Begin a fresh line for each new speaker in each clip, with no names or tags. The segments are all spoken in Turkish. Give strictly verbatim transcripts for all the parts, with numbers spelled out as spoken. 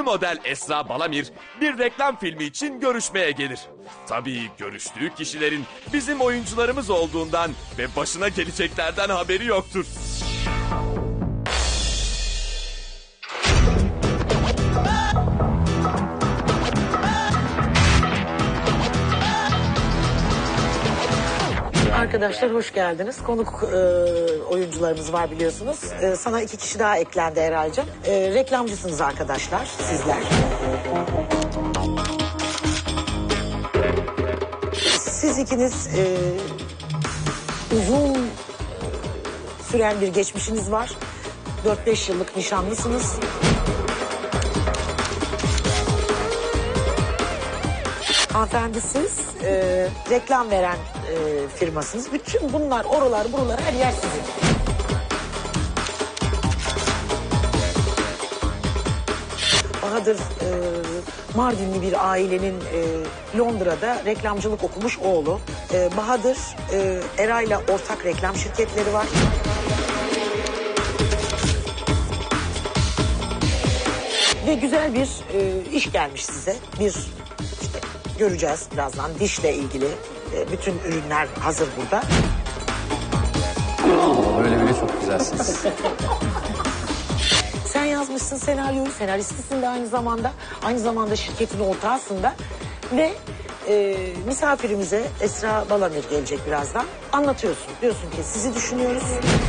model Esra Balamir bir reklam filmi için görüşmeye gelir. Tabii görüştüğü kişilerin bizim oyuncularımız olduğundan ve başına geleceklerden haberi yoktur.
Arkadaşlar hoş geldiniz. Konuk e, oyuncularımız var biliyorsunuz. E, sana iki kişi daha eklendi Eray'cığım. E, reklamcısınız arkadaşlar sizler. Siz ikiniz e, uzun süren bir geçmişiniz var. dört beş yıllık nişanlısınız. Hanımefendi siz e, reklam veren e, firmasınız. Bütün bunlar, oralar, buralar, her yer sizin. Bahadır e, Mardinli bir ailenin e, Londra'da reklamcılık okumuş oğlu. E, Bahadır e, Eray'la ortak reklam şirketleri var. Ve güzel bir e, iş gelmiş size. Bir göreceğiz birazdan. Dişle ilgili e, bütün ürünler hazır burada.
Böyle bile çok güzelsiniz.
Sen yazmışsın senaryoyu, senaristisin de aynı zamanda. Aynı zamanda şirketin ortağısın da. Ve e, misafirimize Esra Balamir gelecek birazdan. Anlatıyorsun. Diyorsun ki sizi düşünüyoruz.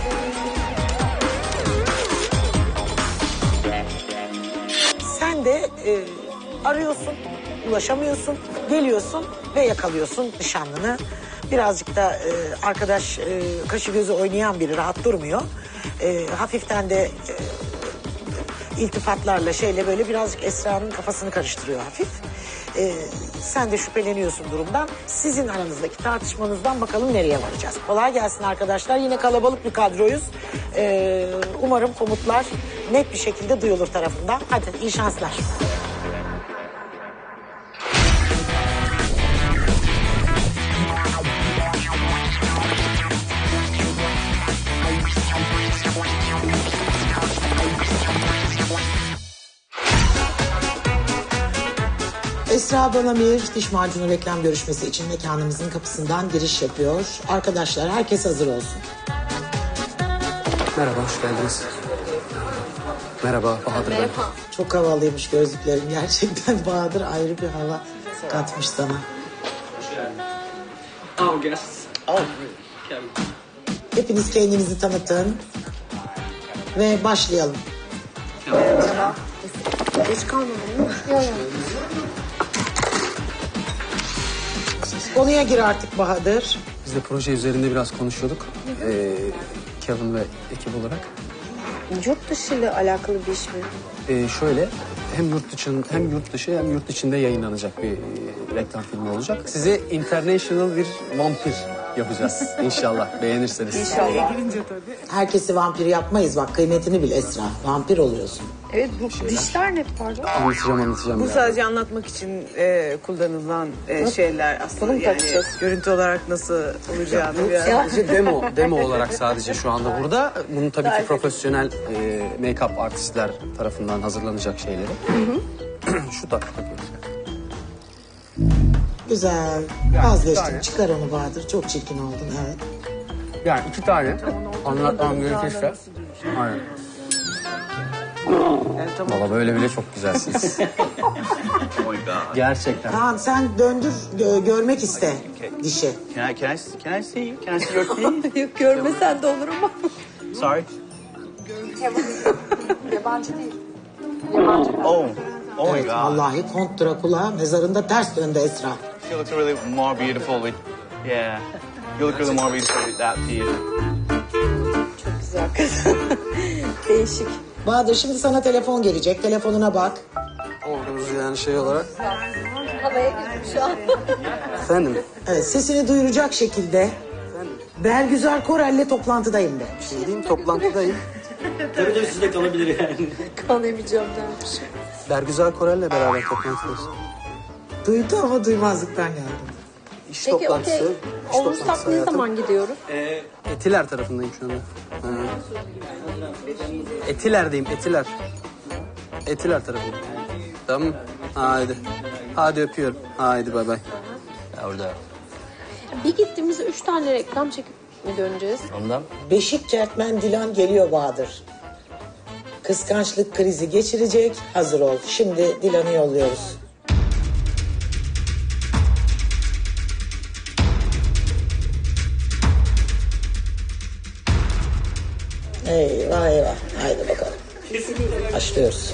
Sen de e, arıyorsun. Ulaşamıyorsun, geliyorsun ve yakalıyorsun nişanlını. Birazcık da e, arkadaş e, kaşı gözü oynayan biri, rahat durmuyor. E, hafiften de e, iltifatlarla şeyle böyle birazcık Esra'nın kafasını karıştırıyor hafif. E, sen de şüpheleniyorsun durumdan. Sizin aranızdaki tartışmanızdan bakalım nereye varacağız. Kolay gelsin arkadaşlar. Yine kalabalık bir kadroyuz. E, umarım komutlar net bir şekilde duyulur tarafından. Hadi iyi şanslar. Esra Balamir diş macunu reklam görüşmesi için mekanımızın kapısından giriş yapıyor. Arkadaşlar herkes hazır olsun.
Merhaba, hoş geldiniz. Merhaba, Bahadır ben.
Çok havalıymış gözlüklerim gerçekten. Bahadır ayrı bir hava katmış sana.
Oh, guests. Oh,
Hepiniz kendinizi tanıtın. Ve başlayalım. Geç kalmadın değil mi? Yok. Konuya gir artık Bahadır.
Biz de proje üzerinde biraz konuşuyorduk. Ee, Kevin ve ekip olarak.
Yurt dışı ile alakalı bir iş mi?
Ee, şöyle, hem yurt dışı hem yurt dışı hem yurt içinde yayınlanacak bir e, reklam filmi olacak. Size international bir vampir yapacağız inşallah. Beğenirseniz.
İnşallah.
Herkesi vampir yapmayız bak, kıymetini bil Esra. Vampir oluyorsun.
Evet, bu dişler ne pardon?
Anlatacağım anlatacağım.
Bu
yani.
sadece anlatmak için e, kullanılan e, şeyler aslında
Bunu mu
yani
takacağız?
görüntü olarak nasıl olacağını biraz.
Sadece demo, demo olarak sadece şu anda burada. Bunun tabii ki profesyonel e, make-up artistler tarafından hazırlanacak şeyleri. Şu tak takıyoruz.
Güzel.
Yani
Vazgeçtim.
bir tane.
Çıkar onu Bahadır. Çok çirkin oldun evet.
Yani iki tane anlatmam gerekirse. Aynen.
Yani tamam.
Valla böyle bile çok güzelsiniz. Gerçekten.
Tamam sen döndür gö- görmek iste dişi.
Can I, can I, can I see you? Can I see your teeth?
Yok, görmesen de olur ama.
Sorry.
Yabancı değil.
Oh, oh my
Evet,
God.
vallahi Kont Drakula mezarında ters döndü Esra.
She looks really more beautiful with, yeah. You look really more beautiful with that teeth.
Çok güzel kız. Değişik.
Bahadır şimdi sana telefon gelecek. Telefonuna bak.
Ordumuz yani şey olarak.
Havaya girdim şu an.
Efendim?
Evet, sesini duyuracak şekilde Bergüzar Korel'le toplantıdayım de.
Şey diyeyim, toplantıdayım.
Kan emeceğim dermiş.
Bergüzar Korel'le beraber toplantıdayız.
Duydu ama duymazlıktan geldi.
İş
Peki
toplantısı.
okey.
iş
Olursak
toplantısı
ne
hayatım.
zaman gidiyoruz?
Etiler tarafındayım şu anda. Ha. Etiler'deyim, Etiler. Etiler tarafındayım. Tamam. Haydi. Hadi öpüyorum. Haydi bay bay.
Ya orada
Bir gittiğimizde üç tane reklam çekip mi döneceğiz?
ondan
Beşik Kertmen Dilan geliyor Bahadır. Kıskançlık krizi geçirecek. Hazır ol. Şimdi Dilan'ı yolluyoruz. Eyvah eyvah. Haydi bakalım. Başlıyoruz.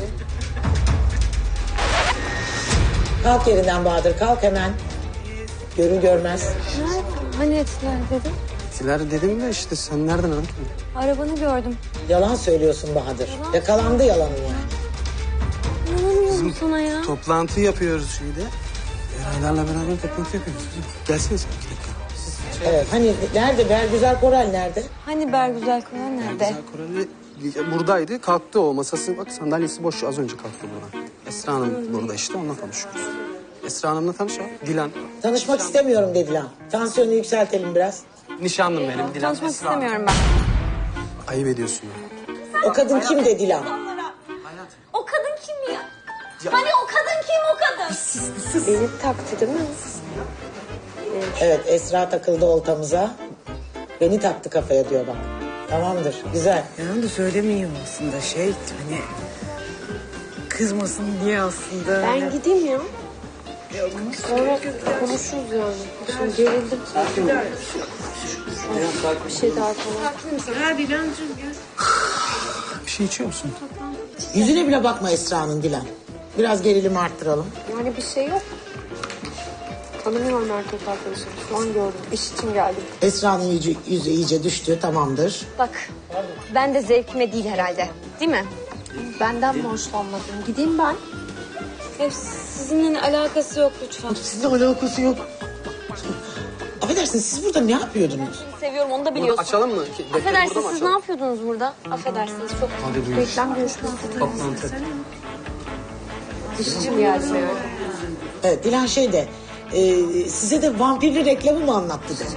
Kalk yerinden Bahadır. Kalk hemen. Görür görmez.
Hani etiler dedim.
Siler dedim de işte sen nereden anladın?
Arabanı gördüm.
Yalan söylüyorsun Bahadır. Yakalandı yalanın yani.
İnanamıyorum sana ya.
Toplantı yapıyoruz şeyde. Eraylarla beraber toplantı yapıyoruz. Gelsene sen iki dakika.
Evet. Hani nerede? Bergüzar Korel nerede?
Hani Bergüzel Koran nerede?
Güzel Koreli buradaydı. Kalktı o masası. Bak sandalyesi boş. Az önce kalktı buradan. Esra Hanım burada işte. Onunla konuşuyoruz. Esra Hanım'la tanış ya. Dilan.
Tanışmak istemiyorum dedi Dilan. Tansiyonu yükseltelim biraz.
Nişanlım benim. Dilan.
Tanışmak
Esra Hanım.
istemiyorum ben.
Ayıp ediyorsun ya.
O kadın kim dedi Dilan?
O kadın kim ya? Hani o kadın kim o kadın?
Beni taktı değil mi?
Evet Esra takıldı oltamıza. Beni taktı kafaya diyor bak. Tamamdır güzel.
Yani da söylemeyeyim aslında şey hani kızmasın diye aslında.
Ben gideyim ya. Sonra konuşuruz yani. Şimdi gerildim. Bir şey daha falan.
Bir şey içiyor musun?
Yüzüne bile bakma Esra'nın Dilan. Biraz gerilimi arttıralım.
Yani bir şey yok. Tanımıyorum erkek arkadaşım. Şu an gördüm. İş için geldim.
Esra'nın yüzü, yüzü iyice düştü tamamdır.
Bak ben de zevkime değil herhalde. Değil mi?
Benden mi hoşlanmadın? Gideyim ben.
Hep sizinle alakası yok lütfen.
Sizinle alakası yok. Affedersiniz siz burada ne yapıyordunuz?
Seviyorum onu da
Burada
biliyorsun.
açalım mı? Defteri burada
Affedersiniz
mı
siz ne
açalım?
yapıyordunuz burada? Affedersiniz çok.
Hadi buyur.
Reklam görüşmesi.
Toplantı.
İş için geldim yani.
Evet Dilan şey de e, size de vampirli reklamı mı anlattı de.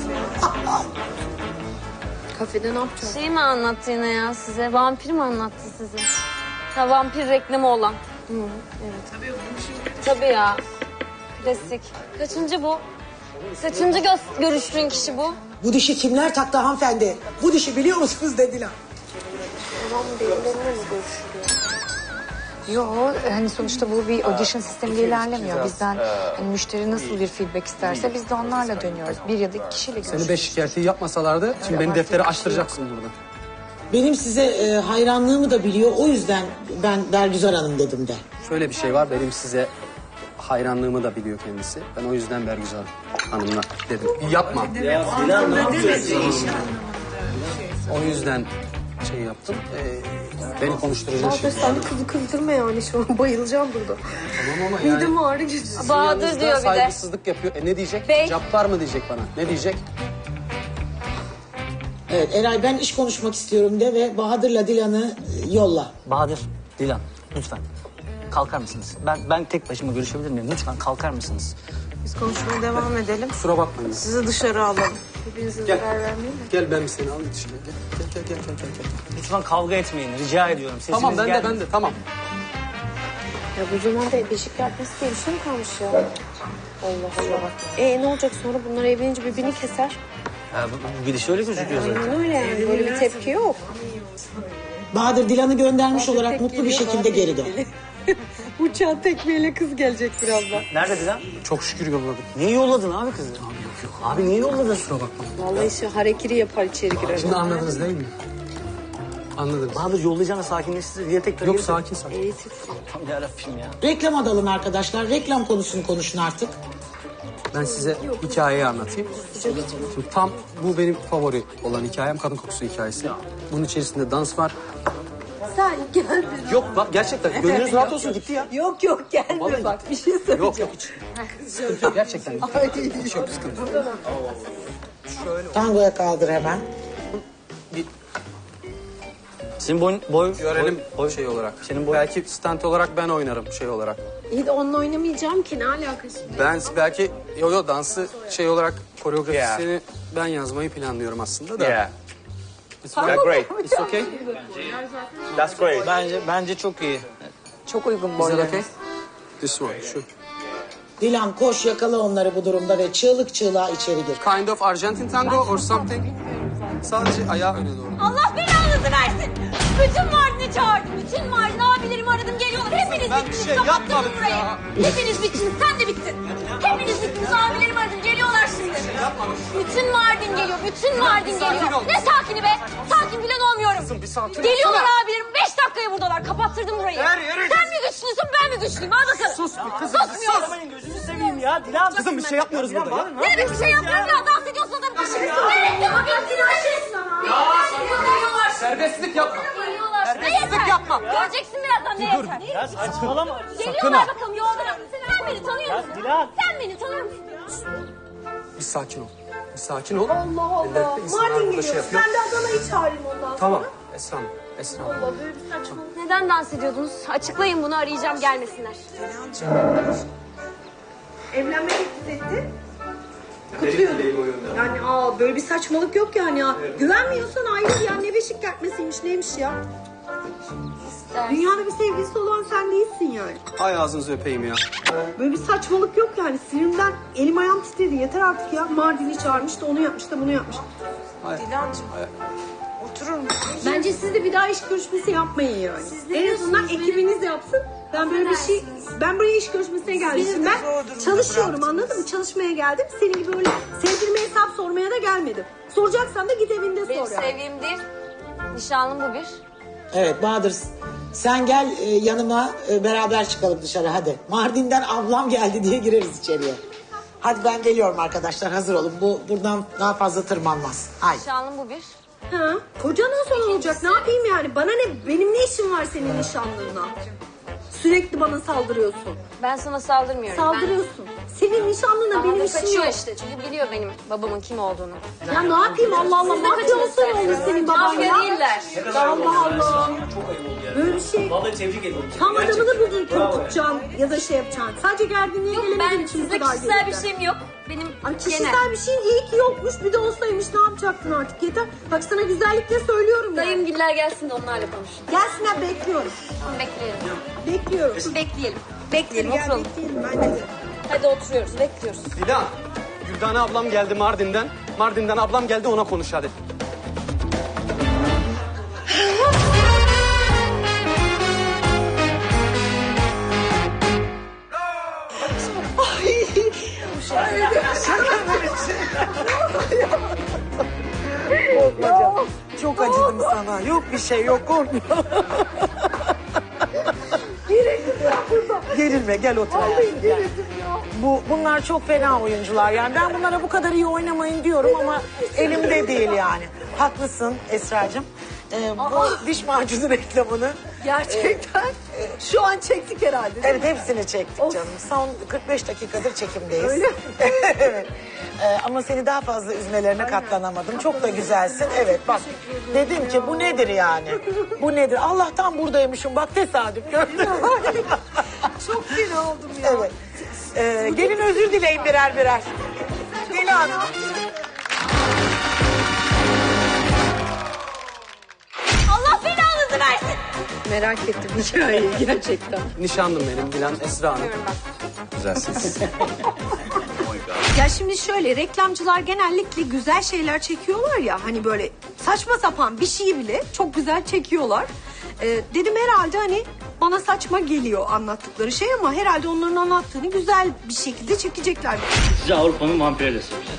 Kafede ne yapacağız?
Şey mi anlattı yine ya size? Vampir mi anlattı size? Ha vampir reklamı olan. Hı, evet. Tabii ya. Klasik. Kaçıncı bu? Kaçıncı gö- görüştüğün kişi bu?
Bu dişi kimler taktı hanımefendi? Bu dişi biliyor musunuz de Dilan.
Tamam birilerine mi görüşülüyor?
Yok hani sonuçta bu bir audition sistemiyle ilerlemiyor. Bizden hani müşteri nasıl bir feedback isterse biz de onlarla dönüyoruz. Bir ya da iki kişiyle
Seni
görüşüyoruz.
beş şikayeti yapmasalardı şimdi beni deftere açtıracaksın burada.
Benim size e, hayranlığımı da biliyor. O yüzden ben Bergüzar Hanım dedim de.
Şöyle bir şey var benim size hayranlığımı da biliyor kendisi. Ben o yüzden Bergüzar Hanım'la dedim. Yapma. O yüzden şey yaptım. Ee, beni konuşturacak şey.
Bahadır sen de kızı kızdırma yani şu an bayılacağım burada.
Tamam ama yani.
Midem ağrı geçti.
Bahadır
yanınızda
diyor bir de.
saygısızlık yapıyor. E ne diyecek?
Bey.
Cabbar mı diyecek bana? Ne diyecek?
Evet Eray ben iş konuşmak istiyorum de ve Bahadır'la Dilan'ı e, yolla.
Bahadır, Dilan lütfen kalkar mısınız? Ben ben tek başıma görüşebilir miyim? Lütfen kalkar mısınız?
Biz konuşmaya devam edelim.
Kusura bakmayın.
Sizi dışarı alalım.
Birbirinize
Gel.
zarar vermeyin mi?
Gel ben bir seni alayım dışarı. Gel gel gel gel gel. gel.
Lütfen kavga etmeyin. Rica ediyorum. Sesiniz
Tamam ben de
gelmiyor.
ben de tamam.
Ya bu zamanda beşik yapması diye bir şey mi kalmış ya? Allah Allah. E ne olacak sonra bunlar evlenince birbirini keser.
Ya, bu, bu gidiş öyle gözüküyor zaten.
Aynen öyle yani böyle bir tepki yok.
Bahadır Dilan'ı göndermiş olarak mutlu bir şekilde geri dön.
Uçağın tekmeyle kız gelecek birazdan.
Nerede Dilan?
Çok şükür yolladım.
Niye yolladın abi kızı? Abi yok yok. Abi niye yolladın? Kusura bakma.
Vallahi işte harekiri yapar içeri girer.
Şimdi anladınız değil mi? Anladınız.
Bahadır yollayacağına sakinleştir. Diğer tekrar
Yok sakin sakin.
Eğitim.
Tam yarabbim ya.
Reklam adalım arkadaşlar. Reklam konusunu konuşun artık.
Ben size hikayeyi anlatayım. Şimdi tam bu benim favori olan hikayem kadın kokusu hikayesi. Bunun içerisinde dans var.
Sen gel.
Yok bak gerçekten gönlünüz rahat olsun gitti ya.
Yok yok gelme
Vallahi
bak bir şey söyleyeceğim.
Yok yok hiç. Sıkıntı yok gerçekten. Hiç yok sıkıntı yok.
Tangoya kaldır hemen.
Bir
Senin boy... boy
görelim
boy,
şey olarak.
Senin boy...
Belki stand olarak ben oynarım şey olarak.
İyi de onunla oynamayacağım ki ne alakası?
Ben belki yo yo dansı şey olarak koreografisini ben yazmayı planlıyorum aslında da.
Yeah.
It's
Yeah, great.
It's okay.
That's great.
Bence, bence çok iyi.
Çok uygun
Is that
boylarınız.
okay? This one, şu.
Dilan koş yakala onları bu durumda ve çığlık çığlığa içeri gir.
Kind of Argentine tango or something. Sadece ayağı öne doğru.
Allah belanızı versin. Bütün Mardin'i çağırdım. Bütün Mardin abilerimi aradım geliyorlar. Hepiniz
Ben bir
bittiniz.
şey
Kapattım
yapmadım
burayı.
ya.
Hepiniz bittiniz. Sen de bittin. Hepiniz bittiniz. Abilerimi aradım. Geliyorlar şimdi. Bütün Mardin geliyor. Bütün Mardin
sakin
geliyor.
ol.
Ne sakini be? Sakin bile olmuyorum.
Kızım, bir sakin ol.
Geliyorlar abilerim. Beş dakikaya buradalar. Kapattırdım burayı.
Her yere
Sen mi güçlüsün ben mi güçlüyüm? Al bakalım.
Sus bir kızım,
Susmuyorum.
Gözünü seveyim ya. Dilan.
Kızım bir şey yapmıyoruz burada ya.
Ne demek bir şey yapmıyorum ya? Dans ediyorsun adam. Ne
Serbestlik yapma.
Ne yeter?
yapma.
Göreceksin birazdan ne yeter.
Ya saçmalama.
Geliyorlar bakalım yolda. Sen beni tanıyor musun?
Dilan.
Sen beni tanıyor musun?
Bir sakin ol. Bir sakin ol.
Allah Allah. Mardin geliyoruz. Ben de Adana'yı çağırayım ondan sonra.
Tamam. Esra Hanım. Esra Hanım.
Allah böyle bir saçma.
Neden dans ediyordunuz? Açıklayın bunu arayacağım gelmesinler.
Evlenme teklif etti. Kutluyorum. Yani aa böyle bir saçmalık yok yani ya. Güvenmiyorsan ayrıl ya. Ne beşik kertmesiymiş neymiş ya. Dünyada bir sevgilisi olan sen değilsin yani.
Ay ağzınızı öpeyim ya.
Böyle bir saçmalık yok yani. Sinirimden elim ayağım titredi. Yeter artık ya. Mardin'i çağırmış da onu yapmış da bunu yapmış.
Dilancığım. Oturur musun?
Bence siz de bir daha iş görüşmesi yapmayın yani. En azından ekibiniz yapsın. Ben böyle bir şey, ben buraya iş görüşmesine geldim. Şimdi ben çalışıyorum anladın mı? Çalışmaya geldim. Senin gibi öyle sevgilime hesap sormaya da gelmedim. Soracaksan da git evinde
Benim
sor yani.
sevgilim değil. Nişanlım bu bir.
Evet Bahadır sen gel e, yanıma e, beraber çıkalım dışarı hadi. Mardin'den ablam geldi diye gireriz içeriye. Hadi ben geliyorum arkadaşlar hazır olun. Bu buradan daha fazla tırmanmaz. Haydi.
Nişanlım bu bir.
Ha? Kocandan sonra olacak ne yapayım yani? Bana ne? Benim ne işim var senin nişanlınla? Sürekli bana saldırıyorsun.
Ben sana saldırmıyorum.
Saldırıyorsun. Senin nişanlınla
Ben...
benim
Ama
işim
kaçıyor
yok.
işte. Çünkü biliyor benim babamın kim olduğunu.
Ya ne yapayım Allah Allah. Mafya olsa ne olur senin baban
Mafya
ya?
değiller.
Allah Allah. Böyle bir şey.
Vallahi tebrik ediyorum.
Tam adamını buldun korkutacaksın ya da şey yapacaksın. Sadece gerginliğe
Yok
gelemediğin
ben
için bu
size
kadar
kişisel bir
gerildim.
şeyim yok. Benim
Ay kişisel
genel.
bir şeyin iyi ki yokmuş. Bir de olsaymış ne yapacaktın artık yeter. Bak sana güzellikle söylüyorum yani.
Dayımgiller gelsin de onlarla konuşun.
Gelsinler bekliyorum.
Bekleyelim.
Bekliyorum.
Bekleyelim. Bekleyelim
Gel
oturalım.
bekleyelim bence de.
Hadi oturuyoruz bekliyoruz.
Dilan. Güldane ablam geldi Mardin'den. Mardin'den ablam geldi ona konuş hadi.
Çok acıdım sana. Yok bir şey yok korkma. Gerilme gel otur. Bu, bunlar çok fena oyuncular yani. Ben bunlara bu kadar iyi oynamayın diyorum ama elimde değil yani. Haklısın Esra'cığım. Ee, bu diş macunu reklamını
Gerçekten. Şu an çektik herhalde.
evet hepsini çektik canım. Son kırk beş dakikadır çekimdeyiz.
Öyle mi?
Evet. Ee, ama seni daha fazla üzmelerine katlanamadım. Çok da güzelsin. Evet bak dedim ki bu nedir yani? Bu nedir? Allah'tan buradaymışım. Bak tesadüf gördün mü?
Çok fena oldum ya.
Evet. Ee, gelin özür dileyin birer birer. Dilan.
Allah belanızı versin.
Merak ettim hikayeyi gerçekten.
Nişanlım benim Dilan Esra Hanım. Güzelsiniz.
Ya şimdi şöyle reklamcılar genellikle güzel şeyler çekiyorlar ya hani böyle saçma sapan bir şeyi bile çok güzel çekiyorlar. Ee, dedim herhalde hani bana saçma geliyor anlattıkları şey ama herhalde onların anlattığını güzel bir şekilde çekecekler.
Size Avrupa'nın vampiriyle soracağız.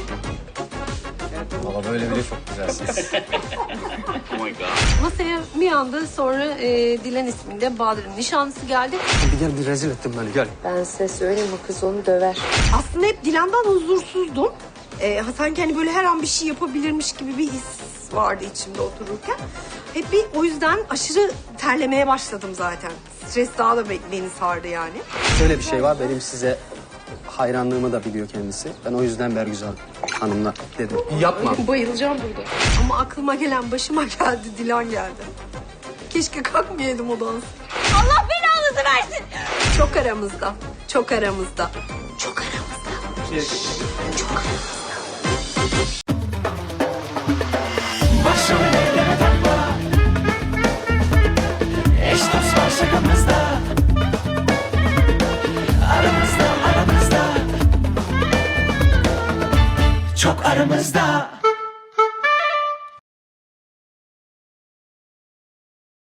Valla böyle bile çok güzelsiniz.
Oh my god.
Masaya bir anda sonra e, Dilan isminde Bahadır'ın nişanlısı geldi.
Bir gel bir rezil ettin beni gel.
Ben size söyleyeyim o kız onu döver.
Aslında hep Dilan'dan huzursuzdum. Ee, sanki hani böyle her an bir şey yapabilirmiş gibi bir his vardı içimde otururken. Hep bir o yüzden aşırı terlemeye başladım zaten. Stres daha da be- beni sardı yani.
Şöyle bir şey var benim size hayranlığımı da biliyor kendisi. Ben o yüzden Bergüzar Hanım'la dedim. Yapma.
Bayılacağım burada. Ama aklıma gelen başıma geldi, Dilan geldi. Keşke kalkmayaydım o dans.
Allah belanızı versin.
Çok aramızda, çok aramızda. Çok aramızda. Çok aramızda.
Başım ellere takma. Eş dost var şakamızda. çok aramızda.